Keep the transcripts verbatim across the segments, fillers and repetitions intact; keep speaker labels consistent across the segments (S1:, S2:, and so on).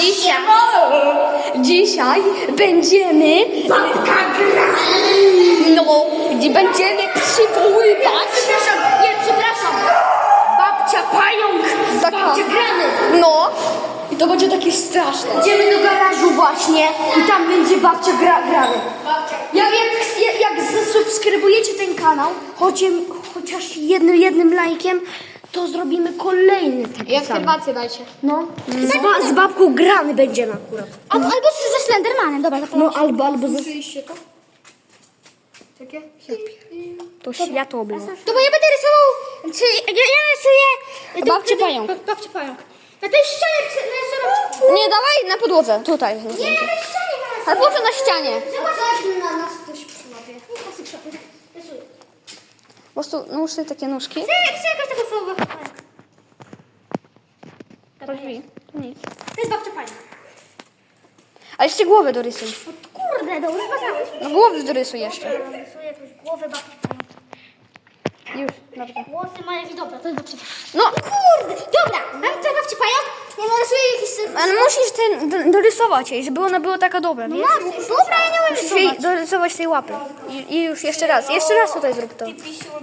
S1: Dzisiaj, dzisiaj będziemy babka no, gdzie będziemy przywoływać.
S2: Przepraszam, nie, przepraszam. Babcia pająk, babcia grany.
S1: No, i to będzie takie straszne.
S2: Idziemy do garażu właśnie i tam będzie babcia gra, grany. Jak, jak, jak zasubskrybujecie ten kanał, chociaż, chociaż jednym, jednym lajkiem, to zrobimy kolejny taki
S3: Jak
S2: sam.
S3: herbację dajcie.
S2: No, z, ba, z babką grany będziemy akurat.
S3: Albo, albo ze Slendermanem, dobra.
S2: No albo, albo ze...
S3: Słyszeliście to? Takie?
S1: To światło było.
S3: To bo ja będę rysował, czy ja, ja rysuję...
S1: Babcię pająk.
S3: Bab- Babcię pająk. Na tej ścianie chcę narysować...
S1: Nie, dawaj na podłodze, tutaj.
S3: Nie, na tej ścianie narysować.
S1: Ale po co na ścianie?
S3: Zobacz, na nas ktoś przyłapie. Niech nas przyłapie. Rysuję.
S1: Po prostu nałóż sobie takie nóżki.
S3: Chcę, chcę jakoś tego słowa.
S1: Drzwi. To nic.
S3: To jest babcia pająk.
S1: A jeszcze głowę dorysuj.
S3: Kurde, dobrze pasałeś.
S1: No głowy dorysuj jeszcze.
S3: Rysuję jakąś głowę babci pająk.
S1: Już, dobrze.
S3: Włosy ma jakieś dobra, to jest babcia.
S1: No,
S3: Kurde, dobra, mam tutaj babci pająk. Ja narysuję jakiś syf.
S1: ale musisz ten do- dorysować jej, żeby ona była taka dobra,
S3: No
S1: nie?
S3: mam, dobra, ja nie umiem
S1: Musisz jej
S3: rysować.
S1: dorysować tej łapy. I, I już jeszcze raz, jeszcze raz tutaj zrób to.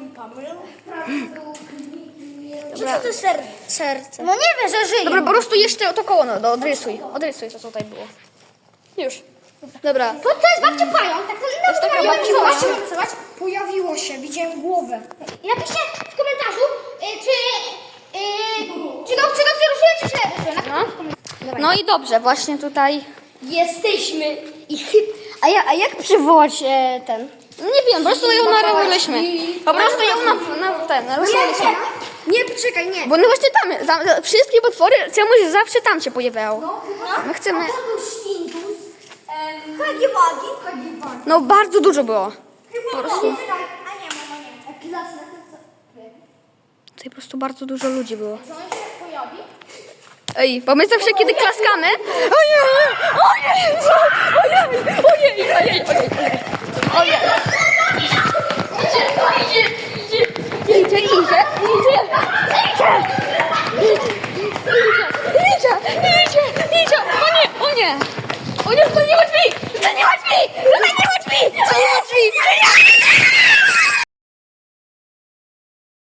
S3: Co to jest ser serce? No nie wiem, że żyje.
S1: Dobra, po prostu jeszcze to koło, no, odrysuj. Odrysuj, co tutaj było. Już. Dobra.
S3: To, to jest babcia pająk, tak to
S1: jest taka
S3: no,
S1: babcia
S3: rysować,
S1: pająk.
S3: czy rysować?
S2: Pojawiło się, widziałem głowę.
S3: Napiszcie w komentarzu, y, czy, y, czy no, czy dobrze rysuję, czy źle rysuję. Napiszcie w komentarzu.
S1: No i dobrze, właśnie tutaj.
S2: Jesteśmy i chyb...
S1: A, ja, a jak przywołać e, ten? Nie wiem, po prostu ją narysuliśmy. Po prostu ją na, na ten, narysowaliśmy.
S2: Nie, poczekaj, nie.
S1: Bo no właśnie tam, tam wszystkie potwory czemuś zawsze tam się pojawiają. My chcemy.
S2: Świntus. Hagiwagi. Hagiwagi.
S1: No bardzo dużo było.
S2: Po prostu. A nie, mama nie. Klasa.
S1: Tutaj po prostu bardzo dużo ludzi było. Ej, bo my zawsze kiedy klaskamy. Ojej! Ojej! Ojej! Ojej! Ojej! Ojej! Ojej! Idzie! Idzie! Idzie! Idzie! Idzie! Idzie! Idzie! Idzie! Idzie! O nie! O nie! O nie! To nie ma drzwi! To nie ma drzwi! To nie ma drzwi! To nie ma drzwi!